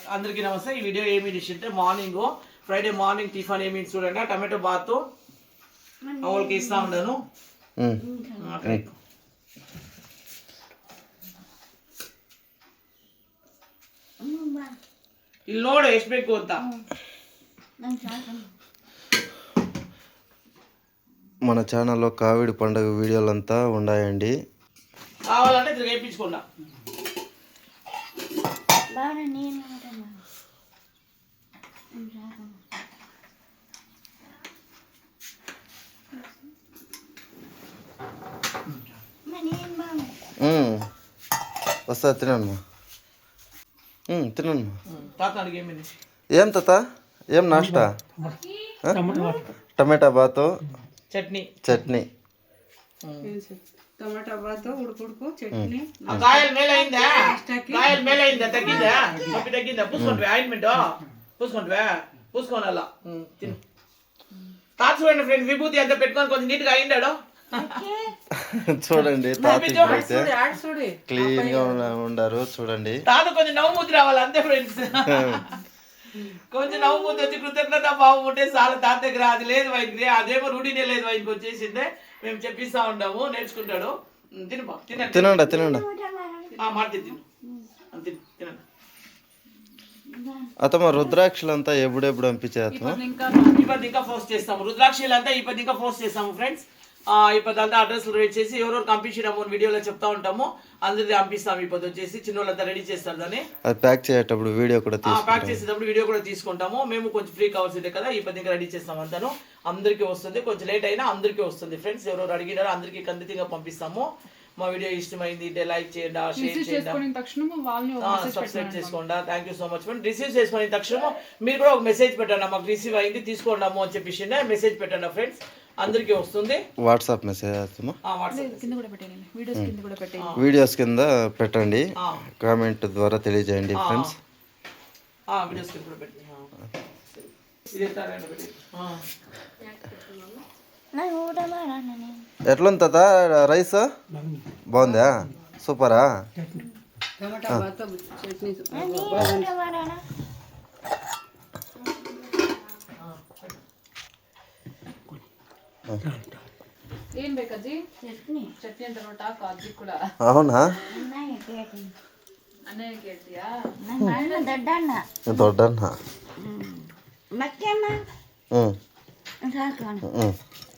అందరికీ నమస్తే. ఈ వీడియో ఏమి డిష్ అంటే మార్నింగ్ ఫ్రైడే మార్నింగ్ టిఫిన్ ఏమి చూడండి, టమాటో బాత్ ಅವಳಿಗೆ ಇಷ್ಟ ఉండను. ಇಲ್ಲಿ ನೋಡು ಎಷ್ಟು ಬೇಕು ಅಂತ. మన ఛానల్లో కావిడి పండుగ వీడియోలంతా ఉన్నాయండి, కావాలంటే ఇది వేయించుకోండి. వస్తా తినమ్మా, తినమ్మా. తాత అడిగేమి ఏం తాత, ఏం నాష్టా? టమాటా బాతు చట్నీ టమాటా బాతు ఉడుకు చట్నీ. కాయలు మేలైందా? కాయలు మేలైందా? తగ్గిందా? నొప్పి తగ్గిందా? పూసుకుంటువా? ఆయింట్మెంట్ పూసుకుంటువా? పూసుకోనాలా తిను. తాత చూడండి ఫ్రెండ్స్, విభూతి అంతా పెట్టుకొని కొంచెం నీట్గా అయిందాడు. చూడండి క్లీన్ గా ఉండారు. చూడండి తాత కొంచెం నవ్వు మూతి రావాలి అంతే ఫ్రెండ్స్. కొంచెం నవ్వు మూతి వచ్చి కృతజ్ఞత భావం ఉంటే చాలా తాత దగ్గర. అది లేదు వైద్యుడి, అదేమో రూఢీనే లేదు వైద్యుకి వచ్చేసిందే. మేము చెప్పిస్తా ఉంటాము, నేర్చుకుంటాడు. తినండి మాట తిను తినండి. అతమ్మ రుద్రాక్షలంతా ఎప్పుడెప్పుడు పంపించేస్తాము. ఇప్పుడు ఇంకా పోస్ట్ చేస్తాము. రుద్రాక్షలంతా ఇప్పుడు ఇంకా పోస్ట్ చేస్తాము ఫ్రెండ్స్. ఇప్పుడు అంతా అడ్రస్లు రేట్ చేసి ఎవరెవరు పంపించినాము వీడియోలో చెప్తా ఉంటాము. అందరిది పంపిస్తాము. ఇప్పుడు వచ్చేసి చిన్నోళ్ళంతా రెడీ చేస్తారు దాన్ని. అది ప్యాక్ చేసేటప్పుడు వీడియో కూడా ప్యాక్ చేసేటప్పుడు వీడియో కూడా తీసుకుంటాము. మేము కొంచెం ఫ్రీ కావాల్సిందే కదా, ఇప్పుడు ఇంకా రెడీ చేస్తాము. అంతాను అందరికీ వస్తుంది, కొంచెం లేట్ అయినా అందరికీ వస్తుంది ఫ్రెండ్స్. ఎవరెవరు అడిగినారో అందరికీ ఖండితంగా పంపిస్తాము. మా వీడియో ఇష్టమైంది లైక్ చేయండి, షేర్ చేయండి, సబ్స్క్రైబ్ చేసుకోండి. Thank you so much friend. Receive చేసుకున్న తక్షణం మీరు కూడా ఒక మెసేజ్ పెట్టండి, మాకు రిసీవ్ అయింది తీసుకోండాము అని చెప్పేసి మెసేజ్ పెట్టండి ఫ్రెండ్స్. అందరికీ వస్తుంది. వాట్సాప్ మెసేజ్ వీడియోస్ కింద పెట్టండి, కామెంట్ ద్వారా తెలియజేయండి ఫ్రెండ్స్. వీడియోస్ కింద పెట్టండి. ఎట్లుంది తాత రైస్? బాగుందా? సూపరా? అవునా? దొడ్డన్న